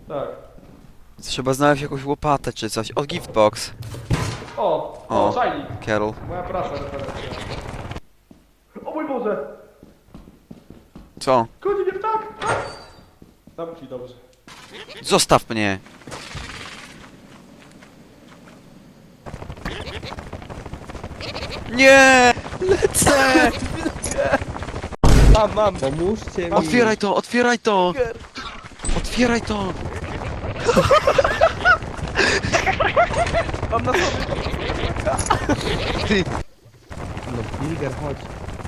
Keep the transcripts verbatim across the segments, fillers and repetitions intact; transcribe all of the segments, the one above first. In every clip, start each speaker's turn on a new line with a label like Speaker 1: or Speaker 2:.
Speaker 1: Tak.
Speaker 2: Trzeba znaleźć jakąś łopatę czy coś. O, giftbox.
Speaker 1: O,
Speaker 2: O.
Speaker 1: o, czajnik.
Speaker 2: Carol.
Speaker 1: Moja praca referencja. O mój Boże!
Speaker 2: Co?
Speaker 1: Goni mnie ptak! Tak! Zamknij dobrze.
Speaker 2: Zostaw mnie! Nie! Lecę!
Speaker 1: Mam, mam.
Speaker 3: Pomóżcie mi!
Speaker 2: Otwieraj to, otwieraj to! Otwieraj to!
Speaker 1: Mam na sobie.
Speaker 2: Ty!
Speaker 3: No, Bilger, chodź.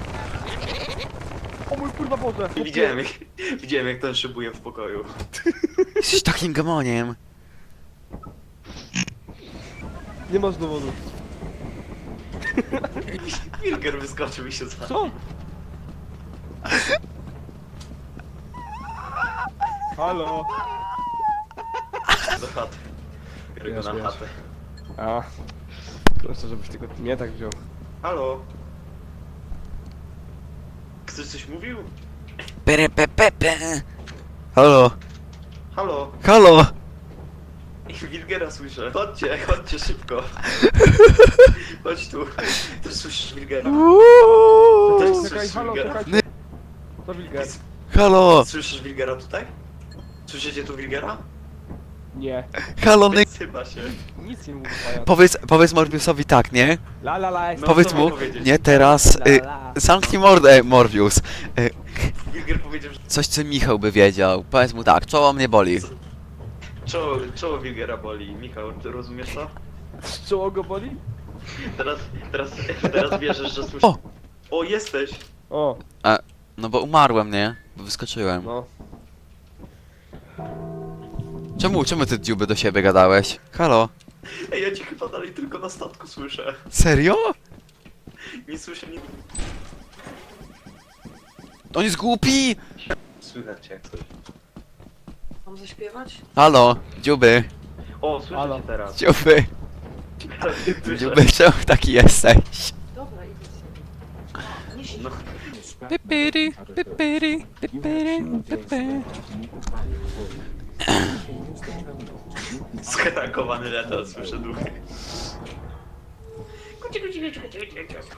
Speaker 1: O mój kurwa Boże!
Speaker 4: Widziałem jak, widziałem jak ten szybuje w pokoju.
Speaker 2: Jesteś takim gamoniem.
Speaker 1: Nie masz dowodu.
Speaker 4: Wilker wyskoczył i się za...
Speaker 1: Co? Halo?
Speaker 4: do chaty. Biorę go
Speaker 1: Wiesz,
Speaker 4: na
Speaker 1: wiesz.
Speaker 4: chatę.
Speaker 1: A. Proszę, żebyś tylko mnie tak wziął.
Speaker 4: Halo? Ktoś coś mówił?
Speaker 2: Pere, pe, pe, pe. Halo,
Speaker 4: Halo?
Speaker 2: halo!
Speaker 4: Wilgera słyszę. Chodźcie, chodźcie szybko. Chodź tu. Też słyszysz Wilgera.
Speaker 2: Uuuu.
Speaker 4: Też
Speaker 1: Czekaj,
Speaker 4: słyszysz
Speaker 1: halo,
Speaker 4: Wilgera.
Speaker 1: czekajcie. To Wilger.
Speaker 2: Halo,
Speaker 4: Słyszysz Wilgera tutaj? Słyszycie tu Wilgera?
Speaker 1: Nie.
Speaker 2: halo, ny...
Speaker 4: Chyba się.
Speaker 1: Nic nie mówi pajac.
Speaker 2: Powiedz, powiedz Morbiusowi tak, nie?
Speaker 1: La la la, jest
Speaker 4: No,
Speaker 2: Powiedz
Speaker 4: co
Speaker 2: mu,
Speaker 4: mam powiedzieć?
Speaker 2: nie teraz,
Speaker 1: La,
Speaker 2: y,
Speaker 1: la.
Speaker 2: zamknij mordę, Morbius. Y,
Speaker 4: Wilger powiedział, że
Speaker 2: coś, co Michał by wiedział. Powiedz mu tak, czoło mnie boli.
Speaker 4: czoło, czoło Wilgera boli. Michał, ty rozumiesz to?
Speaker 1: Czoło go boli?
Speaker 4: Teraz, teraz, teraz wierzysz, że słyszysz...
Speaker 2: O!
Speaker 4: O, jesteś!
Speaker 1: O,
Speaker 2: No bo umarłem, nie? Bo wyskoczyłem.
Speaker 1: no.
Speaker 2: Czemu, czemu ty dziuby do siebie gadałeś? Halo?
Speaker 4: Ej, ja cię chyba dalej tylko na statku słyszę.
Speaker 2: Serio?
Speaker 4: Nie słyszę nic.
Speaker 2: On jest głupi!
Speaker 4: Słychać cię jak coś.
Speaker 5: Mam zaśpiewać?
Speaker 2: Halo, dziuby,
Speaker 4: O, słyszę
Speaker 1: Halo.
Speaker 4: cię teraz.
Speaker 2: dziuby,
Speaker 4: Teraz cię słyszę.
Speaker 2: dziuby, czemu taki jesteś?
Speaker 5: Dobra, idę sobie. Nie siedź.
Speaker 4: No,
Speaker 2: Pipiri, pipiri, pipiri, pipiri.
Speaker 4: zhetakowany letal, słyszę duchy.